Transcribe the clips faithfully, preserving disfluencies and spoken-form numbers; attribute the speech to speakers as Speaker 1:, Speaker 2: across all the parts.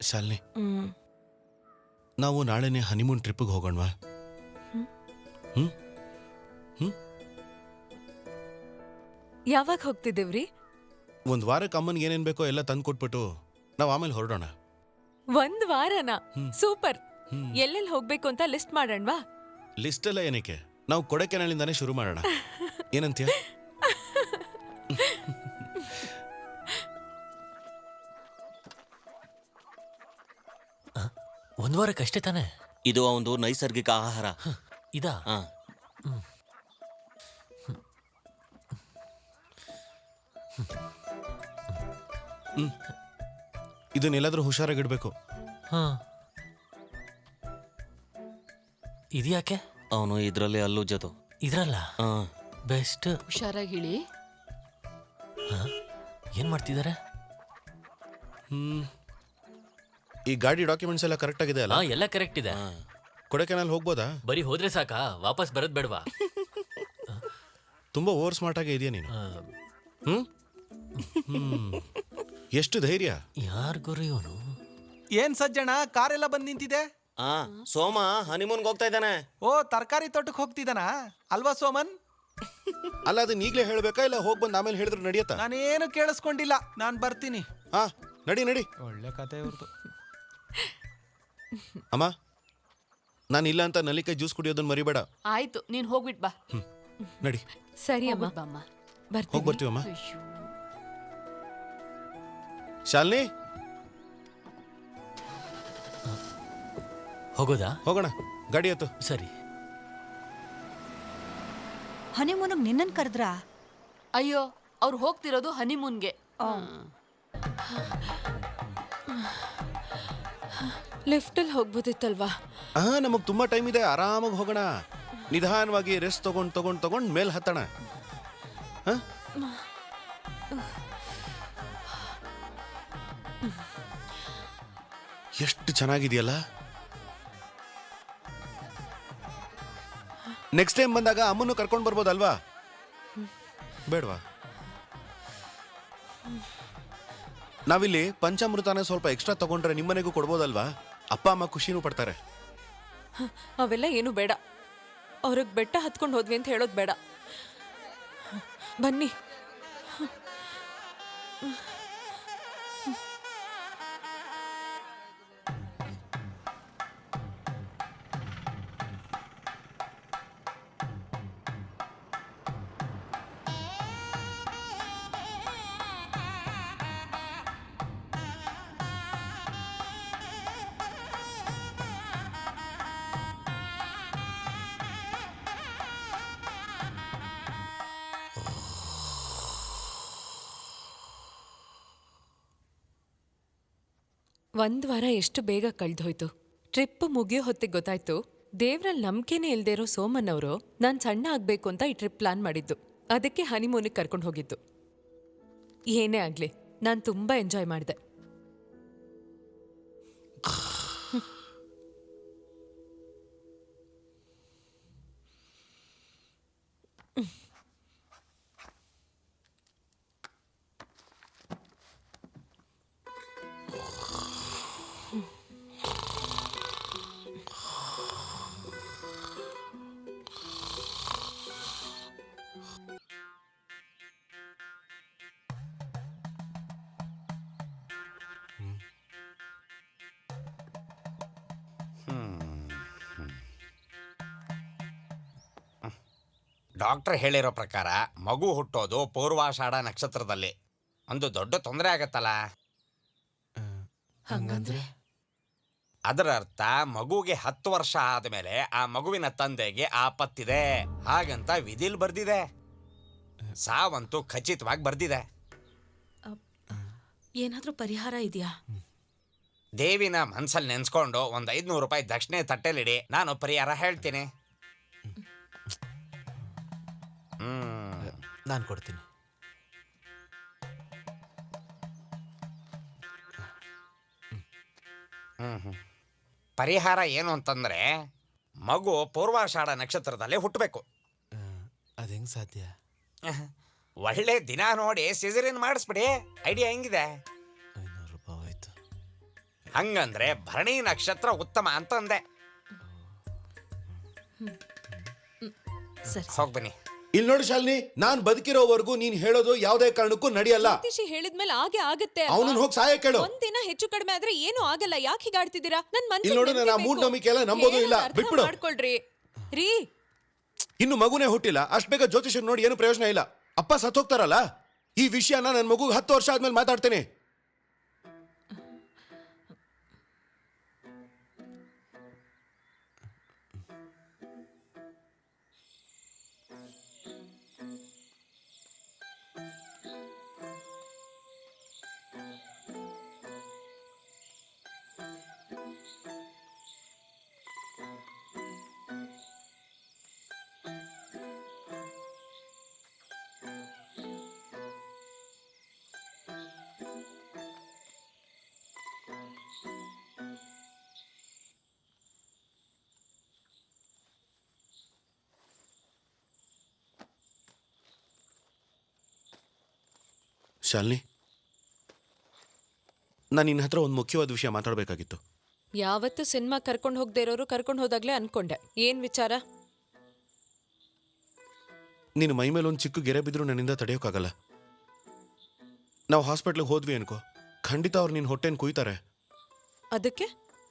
Speaker 1: ಶಾಲಿನಿ, ನಾವು ನಾಳೆನೆ ಹನಿಮೂನ್ ಟ್ರಿಪ್ಗೆ ಹೋಗೋಣವಾ? ಹ್ಮ್ ಹ್ಮ್
Speaker 2: ಯಾವಾಗ ಹೋಗ್ತಿದ್ದೇವ್ರಿ?
Speaker 1: ಒಂದ್ ವಾರಕ್ಕೆ ಅಮ್ಮನ್ಗೆ ಏನೇನ್ ಬೇಕೋ ಎಲ್ಲ ತಂದು ಕೊಟ್ಬಿಟ್ಟು ನಾವು ಆಮೇಲೆ ಹೊರಡೋಣ.
Speaker 2: ಒಂದ್ ವಾರನ? ಸೂಪರ್. ಎಲ್ಲೆಲ್ಲಿ ಹೋಗ್ಬೇಕು ಅಂತ ಲಿಸ್ಟ್ ಮಾಡೋಣವಾ?
Speaker 1: ಲಿಸ್ಟ್ ಎಲ್ಲ ಏನಕ್ಕೆ, ನಾವು ಕೊಡಕೆನಳಿಂದಾನೇ ಶುರು ಮಾಡೋಣ. ಏನಂತೀಯ?
Speaker 3: ಒಂದ್ ವಾರಕ್ಕಷ್ಟೇ ತಾನೆ?
Speaker 4: ಇದು ಒಂದು ನೈಸರ್ಗಿಕ ಆಹಾರ.
Speaker 3: ಇದಾ?
Speaker 4: ಹಾ.
Speaker 1: ಹ್ಮ್ ಇದನ್ನೆಲ್ಲಾದ್ರೂ ಹುಷಾರಾಗಿಡ್ಬೇಕು.
Speaker 3: ಹಾ, ಇದ್ಯಾಕೆ?
Speaker 4: ಅವನು ಇದ್ರಲ್ಲಿ ಅಲ್ಲುಜ್ಜೋದು.
Speaker 3: ಇದ್ರಲ್ಲ?
Speaker 4: ಹಾ,
Speaker 3: ಬೆಸ್ಟ್.
Speaker 5: ಹುಷಾರಾಗಿಳಿ.
Speaker 3: ಏನ್ ಮಾಡ್ತಿದ್ದಾರೆ?
Speaker 1: ಹ್ಮ್ ಈ ಗಾಡಿ ಡಾಕ್ಯುಮೆಂಟ್ಸ್ ಎಲ್ಲ ಕರೆಕ್ಟ್ ಆಗಿದೆ ಅಲ್ಲ?
Speaker 3: ಹಾ, ಎಲ್ಲ ಕರೆಕ್ಟ್ ಇದೆ.
Speaker 1: ಕೊಡಕೆನಾಲ್ ಹೋಗ್ಬೋದಾ?
Speaker 3: ಬರೀ ಹೋದ್ರೆ ಸಾಕಾ? ವಾಪಸ್ ಬರೋದ್ ಬೇಡವಾ?
Speaker 1: ತುಂಬಾ ಓವರ್ ಸ್ಮಾರ್ಟ್ ಆಗಿ ಇದೆಯಾ ನೀನು. ಹ್ಮ್ ಹ್ಮ್ ಎಷ್ಟು ಧೈರ್ಯ!
Speaker 3: ಯಾರ್ ಗುರು ಇವನು?
Speaker 6: ಏನ್ ಸಜ್ಜಣ, ಕಾರೆಲ್ಲ ಬಂದ್ ನಿಂತಿದೆ.
Speaker 4: ಆ ಸೋಮ ಹನಿಮೂನ್ಗೆ ಹೋಗ್ತಾ ಇದ್ದಾನೆ.
Speaker 6: ಓ, ತರಕಾರಿ ತೋಟಕ್ಕೆ ಹೋಗ್ತಿದ್ದಾನ ಅಲ್ವಾ ಸೋಮನ್?
Speaker 1: ಅಲ್ಲ, ಅದನ್ನ ಈಗಲೇ ಹೇಳ್ಬೇಕಾ ಇಲ್ಲ ಹೋಗ್ ಬಂದು ಆಮೇಲೆ ಹೇಳಿದ್ರು ನಡೆಯತ್ತಾ?
Speaker 6: ನಾನೇನು ಕೇಳಿಸ್ಕೊಂಡಿಲ್ಲ, ನಾನ್ ಬರ್ತೀನಿ.
Speaker 1: ಹಾ, ನಡಿ ನಡಿ.
Speaker 6: ಒಳ್ಳೆ ಕತೆ ಇವ್ರದ್ದು.
Speaker 1: ಅಮ್ಮ, ನಾನು ಇಲ್ಲ ಅಂತ ನಲ್ಲಿಕಾಯಿ ಜ್ಯೂಸ್ ಕುಡಿಯೋದನ್ನ ಮರಿಬೇಡ.
Speaker 5: ಆಯ್ತು, ನೀನ್ ಹೋಗ್ಬಿಟ್ ಬಾ.
Speaker 1: ನಡಿ.
Speaker 2: ಸರಿ ಅಮ್ಮ,
Speaker 5: ಹೋಗ್ಬಿಟ್ ಬಾಮ್ಮ.
Speaker 1: ಹೋಗಿ ಬರ್ತೀವಮ್ಮ.
Speaker 5: ಅಯ್ಯೋ.
Speaker 1: ಶಾಲಿನಿ,
Speaker 3: ಹೋಗೋದಾ?
Speaker 1: ಹೋಗೋಣ, ಗಾಡಿ ಹತ್ತು.
Speaker 3: ಸರಿ.
Speaker 7: ಹನಿಮೂನಿಗೆ ನಿನ್ನನ್ ಕರೆದ್ರಾ?
Speaker 5: ಅಯ್ಯೋ, ಅವ್ರು ಹೋಗ್ತಿರೋದು ಹನಿಮೂನ್ಗೆ.
Speaker 2: ಲಿಫ್ಟಲ್ಲಿ ಹೋಗ್ಬೋದಿತ್ತಲ್ವಾ?
Speaker 1: ಹಾ, ನಮಗ್ ತುಂಬಾ ಟೈಮ್ ಇದೆ, ಆರಾಮಾಗಿ ಹೋಗೋಣ. ನಿಧಾನವಾಗಿ ರೆಸ್ಟ್ ತಗೊಂಡ್ ತಗೊಂಡ್ ತಗೊಂಡ್ ಮೇಲ್ ಹತ್ತಣ. ಎಷ್ಟು ಚೆನ್ನಾಗಿದೆಯಲ್ಲ. ನೆಕ್ಸ್ಟ್ ಟೈಮ್ ಬಂದಾಗ ಅಮ್ಮನ್ನು ಕರ್ಕೊಂಡು ಬರ್ಬೋದಲ್ವಾ? ಬೇಡವಾ? ನಾವಿಲ್ಲಿ ಪಂಚಾಮೃತನ ಸ್ವಲ್ಪ ಎಕ್ಸ್ಟ್ರಾ ತಗೊಂಡ್ರೆ ನಿಮ್ಮನೆಗೂ ಕೊಡ್ಬೋದಲ್ವಾ? ಅಪ್ಪ ಅಮ್ಮ ಖುಷಿನೂ ಪಡ್ತಾರೆ.
Speaker 2: ಅವೆಲ್ಲ ಏನು ಬೇಡ. ಅವ್ರಿಗೆ ಬೆಟ್ಟ ಹತ್ಕೊಂಡು ಹೋದ್ವಿ ಅಂತ ಹೇಳೋದು ಬೇಡ. ಬನ್ನಿ. ಒಂದ್ ವಾರ ಎಷ್ಟು ಬೇಗ ಕಳ್ದೋಯ್ತು. ಟ್ರಿಪ್ ಮುಗಿಯೋ ಹೊತ್ತಿಗೆ ಗೊತ್ತಾಯ್ತು, ದೇವ್ರಲ್ಲಿ ನಂಬಿಕೆನೇ ಇಲ್ದೇ ಇರೋ ಸೋಮನ್ ಅವರು ನಾನು ಸಣ್ಣ ಆಗ್ಬೇಕು ಅಂತ ಈ ಟ್ರಿಪ್ ಪ್ಲಾನ್ ಮಾಡಿದ್ದು. ಅದಕ್ಕೆ ಹನಿಮೂನಿಗೆ ಕರ್ಕೊಂಡು ಹೋಗಿದ್ದು. ಏನೇ ಆಗ್ಲಿ, ನಾನು ತುಂಬಾ ಎಂಜಾಯ್ ಮಾಡಿದೆ.
Speaker 8: ಡಾಕ್ಟರ್ ಹೇಳಿರೋ ಪ್ರಕಾರ ಮಗು ಹುಟ್ಟೋದು ಪೂರ್ವಾಷಾಢ ನಕ್ಷತ್ರದಲ್ಲಿ. ಒಂದು ದೊಡ್ಡ ತೊಂದರೆ ಆಗತ್ತಲ್ಲ.
Speaker 2: ಹಂಗಂದ್ರೆ
Speaker 8: ಅದರ ಅರ್ಥ ಮಗುಗೆ ಹತ್ತು ವರ್ಷ ಆದಮೇಲೆ ಆ ಮಗುವಿನ ತಂದೆಗೆ ಆಪತ್ತಿದೆ ಹಾಗಂತ ವಿಧಿಲ್ ಬರ್ದಿದೆ. ಸಾವಂತೂ ಖಚಿತವಾಗಿ ಬರ್ದಿದೆ.
Speaker 2: ಏನಾದ್ರೂ ಪರಿಹಾರ ಇದೆಯಾ?
Speaker 8: ದೇವಿನ ಮನ್ಸಲ್ಲಿ ನೆನ್ಸ್ಕೊಂಡು ಒಂದ್ ಐದ್ನೂರು ರೂಪಾಯಿ ದಕ್ಷಿಣೆ ತಟ್ಟೆಲಿಡಿ, ನಾನು ಪರಿಹಾರ ಹೇಳ್ತೀನಿ. ಹ್ಮ್
Speaker 6: ನಾನು ಕೊಡ್ತೀನಿ.
Speaker 8: ಹ್ಮ್ ಹ್ಮ್ ಪರಿಹಾರ ಏನು ಅಂತಂದ್ರೆ ಮಗು ಪೂರ್ವಾಷಾಢ ನಕ್ಷತ್ರದಲ್ಲಿ ಹುಟ್ಟಬೇಕು.
Speaker 6: ಅದು ಹೆಂಗ್ ಸಾಧ್ಯ?
Speaker 8: ಒಳ್ಳೆ ದಿನ ನೋಡಿ ಸಿಸರಿನ್ ಮಾಡಿಸ್ಬಿಡಿ. ಐಡಿಯಾ ಹೆಂಗಿದೆ?
Speaker 6: ಐನೂರು ರೂಪಾಯಿ ಆಯ್ತು.
Speaker 8: ಹಂಗಂದ್ರೆ ಭರಣಿ ನಕ್ಷತ್ರ ಉತ್ತಮ ಅಂತಂದೆ.
Speaker 5: ಸರಿ
Speaker 8: ಹೋಗ್ ಬನ್ನಿ.
Speaker 1: ಇಲ್ಲಿ ನೋಡಿ ಶಾಲಿನಿ, ನಾನ್ ಬದುಕಿರೋವರೆಗೂ ನೀನ್ ಹೇಳೋದು ಯಾವ್ದೇ ಕಾರಣಕ್ಕೂ ನಡೆಯಲ್ಲ.
Speaker 2: ಜ್ಯೋತಿಷಿ ಹೇಳಿದ್ಮೇಲೆ ಹಾಗೆ ಆಗತ್ತೆ ಅಲ್ವಾ?
Speaker 1: ಅವನನ್ನ ಹೋಗಿ ಸಹಾಯ ಕೇಳು.
Speaker 2: ಒಂದಿನ ಹೆಚ್ಚು ಕಡಿಮೆ ಆದ್ರೆ ಏನು ಆಗಲ್ಲ. ಯಾಕೆ ಹೀಗಾಡ್ತಿದ್ದೀರಾ? ನನ್ ಮನ್ಸಿಗೆ
Speaker 1: ಇಲ್ಲಿ ನೋಡು, ನಾನು ಆ
Speaker 2: ನಂಬಿಕೆ ಬೇಕು.
Speaker 1: ಮೂಢನಂಬಿಕೆ ಎಲ್ಲ ನಂಬೋದು ಇಲ್ಲ.
Speaker 2: ಹೇಳೋದ್ ಅರ್ಥ
Speaker 1: ಬಿಟ್ಬಿಡು.
Speaker 2: ಮಾಡ್ಕೊಳ್ರಿ ರೀ.
Speaker 1: ಇನ್ನು ಮಗುನೇ ಹುಟ್ಟಿಲ್ಲ, ಅಷ್ಟ್ ಬೇಗ ಜ್ಯೋತಿಷ ನೋಡಿ ಏನು ಪ್ರಯೋಜನ ಇಲ್ಲ. ಅಪ್ಪ ಸತ್ತೋಗ್ತಾರಲ್ಲ, ಈ ವಿಷಯನ ನನ್ನ ಮಗು ಹತ್ತು ವರ್ಷ ಆದ್ಮೇಲೆ ಮಾತಾಡ್ತೇನೆ. ಶಾಲಿನಿ, ನಾನು ನಿನ್ನ ಹತ್ರ ಒಂದು ಮುಖ್ಯವಾದ ವಿಷಯ ಮಾತಾಡಬೇಕಾಗಿತ್ತು.
Speaker 2: ಯಾವತ್ತು ಸಿನಿಮಾ ಕರ್ಕೊಂಡು ಹೋಗದೆ ಇರೋರು ಕರ್ಕೊಂಡು ಹೋದಾಗ್ಲೇ ಅನ್ಕೊಂಡೆ. ಏನ್ ವಿಚಾರ?
Speaker 1: ನಿನ್ನ ಮೈ ಮೇಲೆ ಒಂದು ಚಿಕ್ಕ ಗೆರೆ ಬಿದ್ದರೂ ನನ್ನಿಂದ ತಡೆಯೋಕ್ಕಾಗಲ್ಲ. ನಾವು ಹಾಸ್ಪಿಟ್ಲಿಗೆ ಹೋದ್ವಿ ಅನ್ಕೋ, ಖಂಡಿತ ಅವ್ರು ನಿನ್ನ ಹೊಟ್ಟೆನ ಕುಯ್ತಾರೆ.
Speaker 2: ಅದಕ್ಕೆ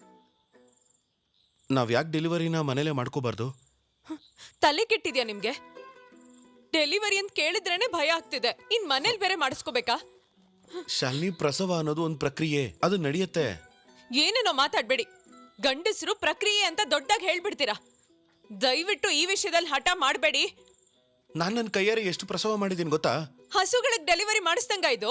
Speaker 1: ನಾವು ಯಾಕೆ ಡೆಲಿವರಿನ ಮನೇಲೆ ಮಾಡ್ಕೋಬಾರ್ದು?
Speaker 2: ತಲೆ ಕೆಟ್ಟಿದ್ಯಾ ನಿಮ್ಗೆ? ಡೆಲಿವರಿ ಅಂತ ಕೇಳಿದ್ರೇನೆ ಭಯ ಆಗ್ತಿದೆ, ಇನ್ ಮನೇಲಿ ಬೇರೆ ಮಾಡಿಸ್ಕೋಬೇಕಾ?
Speaker 1: ಶಾಲಿನಿ, ಪ್ರಸವ ಅನ್ನೋದು ಒಂದು ಪ್ರಕ್ರಿಯೆ, ಅದು ನಡೆಯುತ್ತೆ.
Speaker 2: ಏನೇನೋ ಮಾತಾಡ್ಬೇಡಿ. ಗಂಡಸರು ಪ್ರಕ್ರಿಯೆ ಅಂತ ದೊಡ್ಡಾಗಿ ಹೇಳ್ಬಿಡ್ತೀರಾ. ದಯವಿಟ್ಟು ಈ ವಿಷಯದಲ್ಲಿ ಹಠ ಮಾಡಬೇಡಿ.
Speaker 1: ನಾನು ನನ್ನ ಕೈಯಾರೆ ಎಷ್ಟು ಪ್ರಸವ ಮಾಡಿದ್ದೀನಿ ಗೊತ್ತಾ?
Speaker 2: ಹಸುಗಳಿಗೆ ಡೆಲಿವರಿ ಮಾಡಿಸ್ದಂಗ ಇದು.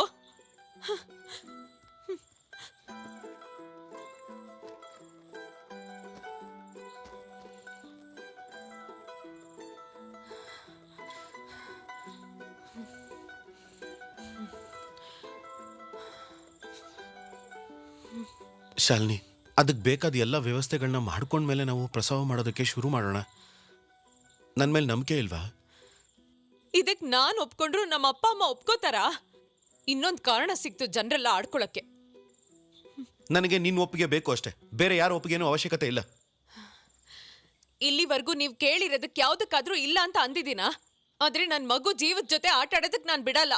Speaker 1: ಶಾಲಿನಿ, ಅದಕ್ಕೆ ಬೇಕಾದ ಎಲ್ಲ ವ್ಯವಸ್ಥೆಗಳನ್ನ ಮಾಡ್ಕೊಂಡ್ಮೇಲೆ ನಾವು ಪ್ರಸವ ಮಾಡೋದಕ್ಕೆ ಶುರು ಮಾಡೋಣ. ನನ್ನ ಮೇಲೆ ನಂಬಿಕೆ ಇಲ್ವಾ?
Speaker 2: ಇದಕ್ ನಾನ್ ಒಪ್ಕೊಂಡ್ರು ನಮ್ಮ ಅಪ್ಪ ಅಮ್ಮ ಒಪ್ಕೋತಾರಾ? ಇನ್ನೊಂದ್ ಕಾರಣ ಸಿಕ್ತು ಜನರೆಲ್ಲ ಆಡ್ಕೊಳಕ್ಕೆ.
Speaker 1: ನನಗೆ ನಿನ್ನ ಒಪ್ಪಿಗೆ ಬೇಕು ಅಷ್ಟೇ, ಬೇರೆ ಯಾರ ಒಪ್ಪಿಗೆನೂ ಅವಶ್ಯಕತೆ ಇಲ್ಲ.
Speaker 2: ಇಲ್ಲಿವರೆಗೂ ನೀವ್ ಕೇಳಿರೋದಕ್ ಯಾವ್ದಕ್ಕಾದ್ರೂ ಇಲ್ಲ ಅಂತ ಅಂದಿದ್ದೀನಾ? ಆದ್ರೆ ನನ್ ಮಗು ಜೀವದ ಜೊತೆ ಆಟ ಆಡೋದಕ್ ನಾನ್ ಬಿಡಲ್ಲ.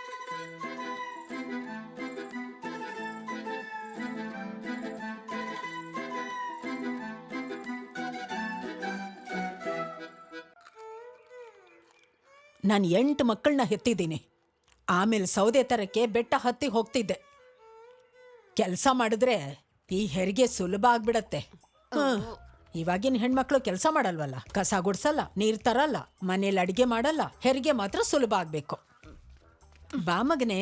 Speaker 9: ನಾನು ಎಂಟು ಮಕ್ಕಳನ್ನ ಹೆತ್ತಿದ್ದೀನಿ. ಆಮೇಲೆ ಸೌದೆ ತರಕ್ಕೆ ಬೆಟ್ಟ ಹತ್ತಿ ಹೋಗ್ತಿದ್ದೆ. ಕೆಲಸ ಮಾಡಿದ್ರೆ ಈ ಹೆರಿಗೆ ಸುಲಭ ಆಗ್ಬಿಡತ್ತೆ. ಇವಾಗಿನ ಹೆಣ್ಮಕ್ಳು ಕೆಲಸ ಮಾಡಲ್ವಲ್ಲ, ಕಸ ಗುಡ್ಸಲ್ಲ, ನೀರ್ ತರಲ್ಲ, ಮನೇಲಿ ಅಡಿಗೆ ಮಾಡಲ್ಲ. ಹೆರಿಗೆ ಮಾತ್ರ ಸುಲಭ ಆಗ್ಬೇಕು. ಬಾ ಮಗನೇ,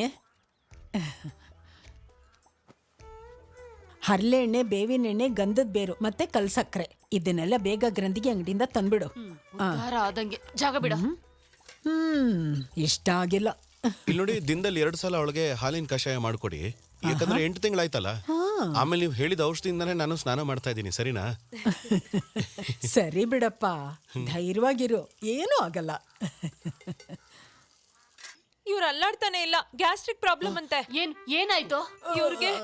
Speaker 9: ಹರಳೆಣ್ಣೆ, ಬೇವಿನ ಎಣ್ಣೆ, ಗಂಧದ ಬೇರು ಮತ್ತೆ ಕಲ್ಸಕ್ರೆ ಇದನ್ನೆಲ್ಲ ಬೇಗ ಗ್ರಂಥಿಗೆ ಅಂಗಡಿಯಿಂದ ತಂದ್ಬಿಡು.
Speaker 5: ಉದ್ಧಾರ ಆದಂಗೆ. ಜಾಗ ಬಿಡ.
Speaker 9: ಹ್ಮ್ ಇಷ್ಟ ಆಗಿಲ್ಲ.
Speaker 1: ಇಲ್ಲಿ ನೋಡಿ, ದಿನದಲ್ಲಿ ಎರಡು ಸಲ ಅವಳಿಗೆ ಹಾಲಿನ ಕಷಾಯ ಮಾಡ್ಕೊಡಿ. ಯಾಕಂದ್ರೆ ಎಂಟು ತಿಂಗಳಾಯ್ತಲ್ಲ, ಆಮೇಲೆ ನೀವು ಹೇಳಿದ ಔಷಧಿಯಿಂದಾನೇ ನಾನು ಸ್ನಾನ ಮಾಡ್ತಾ ಇದ್ದೀನಿ. ಸರಿನಾ?
Speaker 9: ಸರಿ ಬಿಡಪ್ಪ, ಧೈರ್ಯವಾಗಿರು, ಏನೂ ಆಗಲ್ಲ.
Speaker 2: ಇವ್ರು ಅಲ್ಲಾಡ್ತಾನೆ ಇಲ್ಲ, ಗ್ಯಾಸ್ಟ್ರಿಕ್ ಪ್ರಾಬ್ಲಮ್ ಅಂತೆ.
Speaker 5: ಏನ್ ಏನಾಯ್ತು
Speaker 2: ಇವ್ರಿಗೆ?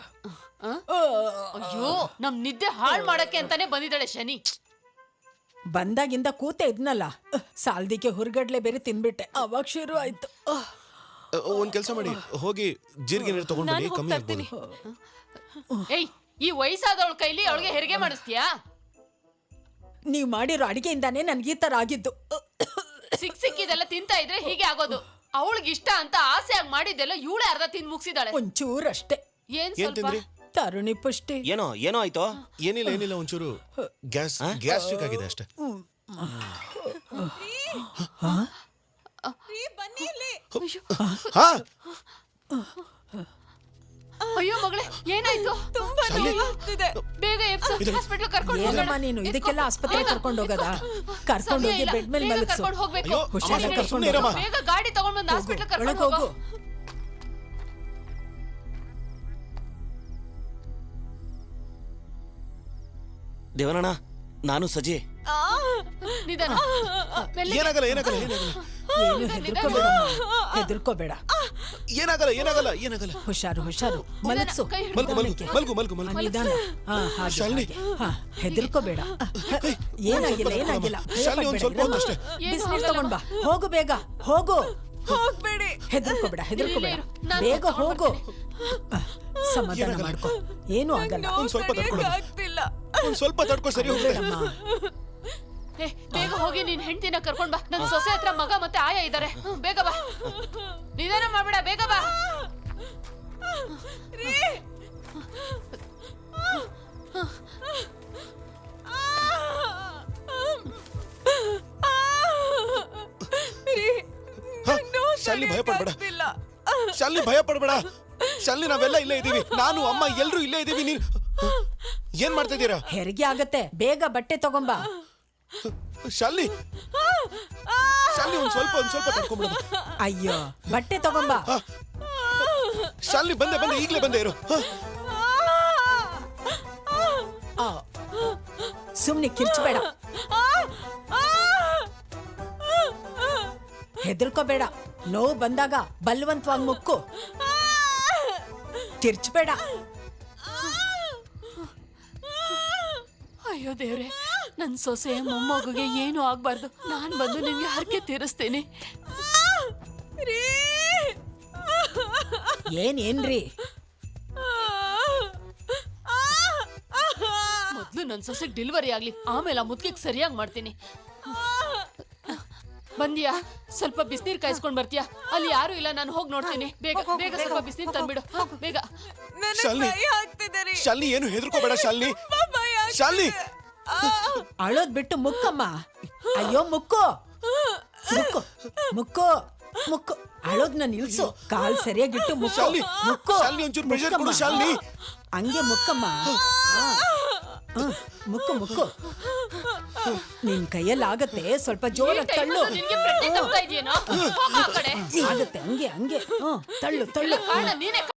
Speaker 5: ಅಯ್ಯೋ, ನಮ್ ನಿದ್ದೆ ಹಾಳ್ ಮಾಡಕ್ಕೆ ಅಂತಾನೆ ಬಂದಿದ್ದಾಳೆ ಶನಿ.
Speaker 9: ಬಂದಾಗಿಂದ ಕೂತೆ ಇದ್ನಲ್ಲ, ಸಾಲ್ದಿಕ್ಕೆ ಹುರ್ಗಡ್ಲೆ ಬೇರೆ ತಿನ್ಬಿಟ್ಟೆ, ಅವಾಗ ಶುರು ಆಯ್ತು.
Speaker 1: ಒಂದ್ ಕೆಲಸ ಮಾಡಿ, ಹೋಗಿ ಜೀರಿಗೆ ನೀರು ತಗೊಂಡು ಬನ್ನಿ,
Speaker 2: ನಾನು
Speaker 1: ಕಮ್ಮಿ
Speaker 2: ಹೋಗ್ತಾ
Speaker 1: ಆಗ್ಬೋದು.
Speaker 5: ಏಯ್, ಈ ವಯಸ್ಸಾದವಳ ಕೈಲಿ ಅವಳಿಗೆ ಹೆರಿಗೆ ಮಾಡಿಸ್ತೀಯಾ?
Speaker 9: ನೀವ್ ಮಾಡಿರೋ ಅಡಿಗೆಯಿಂದಾನೇ ನನ್ಗೆ ಈ ತರ ಆಗಿದ್ದು.
Speaker 5: ಸಿಕ್ ಸಿಕ್ಕಿದೆಲ್ಲ ತಿಂತಾ ಇದ್ರೆ ಹೀಗೆ ಆಗೋದು. ಅವಳಿಗೆ ಇಷ್ಟ ಅಂತ ಆಸೆಯಾಗಿ ಮಾಡಿದ್ದೆಲ್ಲ ಇವಳೆ ಅರ್ಧ ತಿಂದು ಮುಗಿಸಿದಾಳೆ.
Speaker 9: ಒಂಚೂರಷ್ಟೇ.
Speaker 5: ಏನ್
Speaker 1: ಏನ್
Speaker 5: ಸ್ವಲ್ಪ
Speaker 1: ತಿಂದ್ರಿ?
Speaker 9: ತರುಣಿ ಪುಷ್ಟಿ.
Speaker 4: ಏನೋ ಏನೋ ಆಯ್ತು.
Speaker 1: ಏನಿಲ್ಲ ಏನಿಲ್ಲ, ಒಂಚೂರು ಗ್ಯಾಸ್ ಗ್ಯಾಸ್ಟ್ರಿಕ್ ಆಗಿದೆ ಅಷ್ಟೇ.
Speaker 2: ಬನ್ನಿ ಇಲ್ಲಿ.
Speaker 1: ಹಾ,
Speaker 5: ಅಯ್ಯೋ ಮಗಳೇ, ಏನಾಯ್ತು?
Speaker 2: ತುಂಬಾ ನೋವಾಗ್ತಿದೆ.
Speaker 5: ಬೇಗ ಹಾಸ್ಪಿಟಲ್ ಕರ್ಕೊಂಡು
Speaker 9: ಏನಮ್ಮ
Speaker 5: ಹೋಗೋಣ.
Speaker 9: ನೀನು ಇದಕ್ಕೆಲ್ಲ ಆಸ್ಪತ್ರೆ ಕರ್ಕೊಂಡು ಹೋಗದ? ಕರ್ಕೊಂಡು ಹೋಗಿ ಬೆಡ್ ಮೇಲೆ ಮಲಗಿಸು.
Speaker 5: ಕರ್ಕೊಂಡು ಹೋಗ್ಬೇಕು.
Speaker 1: ಅಯ್ಯೋ,
Speaker 9: ಹುಷಾರಾಗಿ
Speaker 1: ಸುಮ್ನೆ
Speaker 9: ಕರ್ಕೊಂಡು
Speaker 1: ಇರಮ್ಮ.
Speaker 9: ಹೋಗು.
Speaker 5: ಬೇಗ ಗಾಡಿ ತಗೊಂಡ್ ಬಂದು ಹಾಸ್ಪಿಟಲ್
Speaker 9: ಒಳಗ್
Speaker 5: ಕರ್ಕೊಂಡು
Speaker 9: ಹೋಗು.
Speaker 5: ಹೋಗು.
Speaker 4: ದೇವನಣ್ಣ, ನಾನು ಸಜಿ.
Speaker 5: ನಿಧಾನ ಮೆಲ್ಲಿಗೆ.
Speaker 1: ಏನಾಗಲ್ಲ ಏನಾಗಲ್ಲ ಏನಾಗಲ್ಲ
Speaker 9: ಏನು ಹೆದರ್ಕೋಬೇಡ ಹೆದರ್ಕೋಬೇಡ
Speaker 1: ಏನಾಗಲ್ಲ ಏನಾಗಲ್ಲ ಏನಾಗಲ್ಲ
Speaker 9: ಹುಷಾರು ಹುಷಾರು ಮಲಗ್ಸು
Speaker 5: ಕೈ ಹಿಡ್ದು
Speaker 1: ಮಲ್ಗು ಮಲ್ಗು ಮಲ್ಗು ಮಲ್ಗು
Speaker 9: ಆ,
Speaker 1: ಮಲ್ಗು
Speaker 9: ನಿಧಾನ ಹಾ ಹಾಗೆ
Speaker 1: ಶಾಲಿನಿ.
Speaker 9: ಹಾಗೆ. ಹಾ ಹೆದರ್ಕೋಬೇಡ ಏನಾಗಿಲ್ಲ ಏನಾಗಿಲ್ಲ
Speaker 1: ಶಾಲಿನಿ, ಒಂದ್ ಸ್ವಲ್ಪ ಹೊತ್ತು ಅಷ್ಟೇ.
Speaker 9: ಬಿಸಿನೀರ್ ತಗೊಂಡ್ ಬಾ ಹೋಗು ಬೇಗ ಹೋಗು ಹೋಗ್ಬೇಡಿ ಹೆದರ್ಕೋಬೇಡ ಹೆದರ್ಕೋಬೇಡ
Speaker 5: ಇರು, ನಾನ್
Speaker 9: ಬೇಗ
Speaker 5: ಕರ್ಕೊಂಡ್
Speaker 9: ಹೋಗು ಆ, ಸಮಾಧಾನ ಮಾಡ್ಕೊ ಏನು ಆಗಲ್ಲ
Speaker 1: ಒಂದ್ ಸ್ವಲ್ಪ ತಡ್ಕೊಳ್ಳ ಒಂದ್ ಸ್ವಲ್ಪ ತಡ್ಕೊ ಸರಿ ಹೋಗುತ್ತೆ
Speaker 9: ಬೇಡಮ್ಮ.
Speaker 5: ಏ ಬೇಗ ಹೋಗಿ ನಿನ್ ಹೆಂಡತಿನ ಕರ್ಕೊಂಡ್ ಬಾ ನನ್ ಸೊಸೆ ಹತ್ರ ಮಗ ಮತ್ತೆ ಆಯ ಇದಾರೆ ಹ್ಮ್, ಬೇಗ ಬಾ ನಿಧಾನ ಮಾಡ್ಬೇಡ ಬೇಗ ಬಾ
Speaker 1: ಹ, ಶಾಲಿನಿ ಭಯ ಪಡ್ಬೇಡ ಶಾಲಿನಿ ಭಯ ಪಡ್ಬೇಡ ಶಾಲಿನಿ ನಾವೆಲ್ಲ ಇಲ್ಲೇ ಇದೀವಿ ನಾನು ಅಮ್ಮ ಎಲ್ರು ಇಲ್ಲೇ ಇದೀವಿ ನೀನ್ ಏನ್ ಮಾಡ್ತಾ ಇದ್ದೀರಾ
Speaker 9: ಹೆರಿಗೆ ಆಗತ್ತೆ ಬೇಗ ಬಟ್ಟೆ ತಗೊಂಬಾ
Speaker 1: ಶಾಲಿನಿ ಶಾಲಿನಿ ಒಂದ್ ಸ್ವಲ್ಪ ಒಂದ್ ಸ್ವಲ್ಪ ತಡ್ಕೊಂಡ್ಬಿಡ
Speaker 9: ಅಯ್ಯೋ ಬಟ್ಟೆ ತಗೊಂಬಾ
Speaker 1: ಶಾಲಿನಿ ಬಂದೆ ಬಂದೆ ಈಗ್ಲೇ ಬಂದೆ ಇರು ಹ,
Speaker 9: ಆ, ಸುಮ್ನೆ ಕಿರ್ಚಬೇಡ ಹೆದರ್ಕೋಬೇಡ ನೋವು ಬಂದಾಗ ಬಲವಂತವಾಗಿ ಮುಕ್ಕು ಕಿರ್ಚಬೇಡ
Speaker 5: ಅಯ್ಯೋ ದೇವ್ರೆ ನನ್ ಸೊಸೆ ಮೊಮ್ಮಗುಗೆ ಏನು ಆಗ್ಬಾರ್ದು ನಾನ್ ಬಂದು ನಿಮ್ಗೆ ಹರಕೆ ತೀರಿಸ್ತೇನೆ
Speaker 9: ಏನ್ ಏನ್ರಿ
Speaker 5: ಮೊದ್ಲು ನನ್ ಸೊಸೆಗ್ ಡೆಲಿವರಿ ಆಗ್ಲಿ ಆಮೇಲೆ ಆ ಮುದ್ಕಿಗ್ ಸರಿಯಾಗಿ ಮಾಡ್ತೀನಿ ಬಂದಿಯಾ ಸ್ವಲ್ಪ ಬಿಸಿನೀರ್ ಕಾಯಿಸ್ಕೊಂಡ್ ಬರ್ತೀಯಾ ಅಲ್ಲಿ ಯಾರು ಇಲ್ಲ ನಾನು ಹೋಗಿ ನೋಡ್ತೀನಿ ಬೇಗ ಬೇಗ ಸ್ವಲ್ಪ ಬಿಸಿನೀರ್ ತಂದ್ಬಿಡು ಹ, ಬೇಗ
Speaker 1: ಶಾಲಿನಿ ಶಾಲಿನಿ ಏನು ಹೆದರ್ಕೋಬೇಡ ಶಾಲಿನಿ ಶಾಲಿನಿ
Speaker 9: ಅಳೋದ್ ಬಿಟ್ಟು ಮುಕ್ಕಮ್ಮ ಅಯ್ಯೋ ಮುಕ್ಕು ಮುಕ್ಕು ಮುಕ್ಕು ಮುಕ್ಕು ಅಳೋದ್ನ ನಿಲ್ಸು ಕಾಲ್ ಸರಿಯಾಗಿಟ್ಟು ಮುಕ್ಕು
Speaker 1: ಶಾಲಿನಿ,
Speaker 9: ಮುಕ್ಕು
Speaker 1: ಶಾಲಿನಿ, ಒಂಚೂರು pressure ಕೊಡು,
Speaker 9: ಮುಕ್ಕಮ್ಮ.
Speaker 1: ಶಾಲಿನಿ.
Speaker 9: ಹಂಗೆ ಮುಕ್ಕಮ್ಮ ಆ. ಹ್ಮ್, ಮುಕ್ಕು ಮುಕ್ಕು ನಿನ್ ಕೈಯಲ್ಲಿ ಆಗತ್ತೆ ಸ್ವಲ್ಪ
Speaker 5: ಈ
Speaker 9: ಜೋರಾಗಿ
Speaker 5: time
Speaker 9: ತಳ್ಳು
Speaker 5: ಅಲ್ಲೂ ನಿನ್ಗೆ ಪ್ರಜ್ಞೆ ತಪ್ತಾ ಇದೆಯೇನೋ ಹೋಗ ಆ ಕಡೆ
Speaker 9: ಆಗತ್ತೆ ಹಂಗೆ ಹಂಗೆ ಹ್ಮ್ ತಳ್ಳು ತಳ್ಳು
Speaker 5: ಕಾರಣ ನೀನೇ